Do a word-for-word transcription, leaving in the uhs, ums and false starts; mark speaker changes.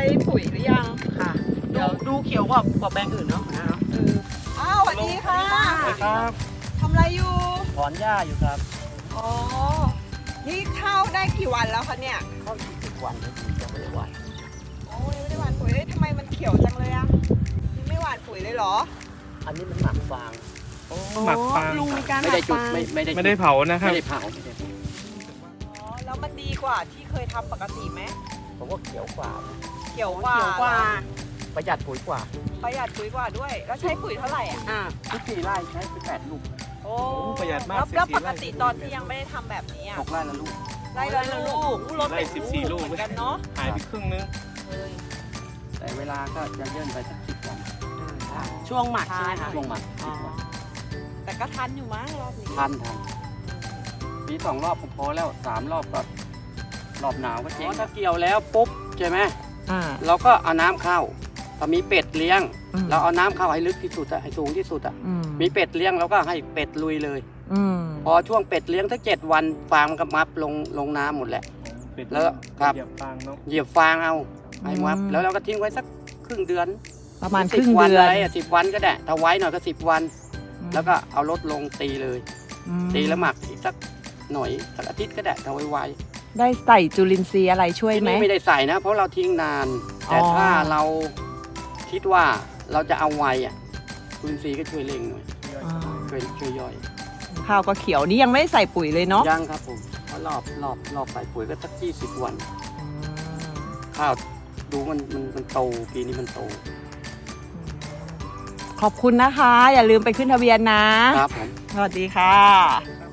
Speaker 1: ปุ๋ยหรือยังค่ะเดี๋ยว
Speaker 2: ดูเขียวกว่ากว่าแปลงอื่นเนาะนะ
Speaker 1: เอออ้าวสวัสดีค่ะ
Speaker 2: ครับ
Speaker 1: ทำอะไรอยู่
Speaker 2: ถอนหญ้าอยู่ครับ
Speaker 1: อ๋อนี่เข้าได้กี่วันแล้วคะเนี่ย
Speaker 2: เข้ายี่สิบวันแล้วจะไม่ได้ไหว
Speaker 1: โอ้ยังไม่ได้หว่านปุ๋ยเอ้ยทำไมมันเขียวจังเลยอะนี่ไม่หว่านปุ๋ยเลยเหรอ
Speaker 2: อันนี้มันหมักฟาง
Speaker 3: หมักฟาง
Speaker 1: ลุงมีการห
Speaker 2: ไม่
Speaker 1: มั
Speaker 2: ได้
Speaker 1: ก
Speaker 2: จุด
Speaker 1: ฟาง
Speaker 2: ไม่ไม่ได้
Speaker 3: ไม่ได้เผานะครับ
Speaker 2: ไม่ได้เผาไม่ได้เผา
Speaker 1: อ๋อแล้วมันดีกว่าที่เคยทำปกติไหม
Speaker 2: ผมว่าเขียวกว่า
Speaker 1: เขียวกว่า
Speaker 2: ประหยัดปุ๋ยกว่า
Speaker 1: ประหยัดปุ๋ยกว่าด้วย แล้วใช้ปุ๋ยเท่าไหร่อ่ะ
Speaker 2: อ่าทุกสี่ไร่ใช้ไปแปดลูก
Speaker 1: โอ้
Speaker 3: ประหยัดมาก
Speaker 1: แล้ว
Speaker 3: สิบ
Speaker 1: แล้ว
Speaker 3: สี่
Speaker 1: ป
Speaker 3: ไร่
Speaker 1: กติตอนที่ยังไม่ได้ทำแบบนี้อ่ะ
Speaker 2: หกไร่ละลูก
Speaker 1: ไร่ละลูกรถ
Speaker 3: ไร่สิบสี่ลูก
Speaker 1: เหมือนกันเนาะ
Speaker 3: หายไปครึ่งนึง
Speaker 2: แต่เวลาก็จะเยื่นไปสักสิบวัน
Speaker 1: ช่วงหมักใช่ไหมคะ
Speaker 2: ช่วงหมักสิบวัน
Speaker 1: แต่ก็ทันอยู่มั้งรอบนี้
Speaker 2: ทันทันปีสองรอบก็พอแล้วสามรอบก็รอบหนาวก็เจ๊งถ้าเกี่ยวแล้วปุ๊บใช่ไหม
Speaker 1: อ่า
Speaker 2: เราก็เอาน้ำเข้าพอมีเป็ดเลี้ยง
Speaker 1: อืม
Speaker 2: เราเอาน้ำเข้าให้ลึกที่สุดอะให้สูงที่สุดอะ
Speaker 1: อืม
Speaker 2: มีเป็ดเลี้ยงเราก็ให้เป็ดลุยเลย
Speaker 1: อืม
Speaker 2: พอช่วงเป็ดเลี้ยงทั้งเจ็ดวันฟางมันก็มับลงลงน้ำหมดแหละ
Speaker 3: เป็ด
Speaker 2: แล้วครับ
Speaker 3: เหยียบฟางเนาะ
Speaker 2: เหยียบฟางเอาให้มับแล้วเราก็ทิ้งไว้สักครึ่งเดือน
Speaker 1: ประมาณค
Speaker 2: สิบ
Speaker 1: รึ่ง
Speaker 2: วัน
Speaker 1: เดือน
Speaker 2: อะไรอะสิบวันก็ได้ถ้าไว้หน่อยก็สิบวัน แล้วก็เอารถลงตีเลย
Speaker 1: อืม
Speaker 2: ตีแล้วหมักอีกสักหน่อยสักอาทิตย์ก็ได้เอาไว้ไว้
Speaker 1: ได้ใส่จุลินทรีย์อะไรช่วย
Speaker 2: ที่
Speaker 1: ไหม
Speaker 2: นี่ไม่ได้ใส่นะ เพราะเราทิ้งนาน แต่
Speaker 1: อ๋อ
Speaker 2: ถ้าเราคิดว่าเราจะเอาไวอ่ะคุณซีย์ก็ช่วยเร่งหน่อย
Speaker 1: อ่า
Speaker 2: ช่วยช่วยย่อย
Speaker 1: ข้าวก็เขียวนี่ยังไม่ได้ใส่ปุ๋ยเลยเนาะ
Speaker 2: ยังครับผมเพราะรอบรอบรอบใส่ปุ๋ยก็สักยี่สิบวัน
Speaker 1: อืม
Speaker 2: ข้าวดูมันมันมันโตปีนี้มันโต
Speaker 1: ขอบคุณนะคะ อย่าลืมไปขึ้นทะเบียนนะ
Speaker 2: ครับผม
Speaker 1: สวัสดีค่ะ
Speaker 3: ครับ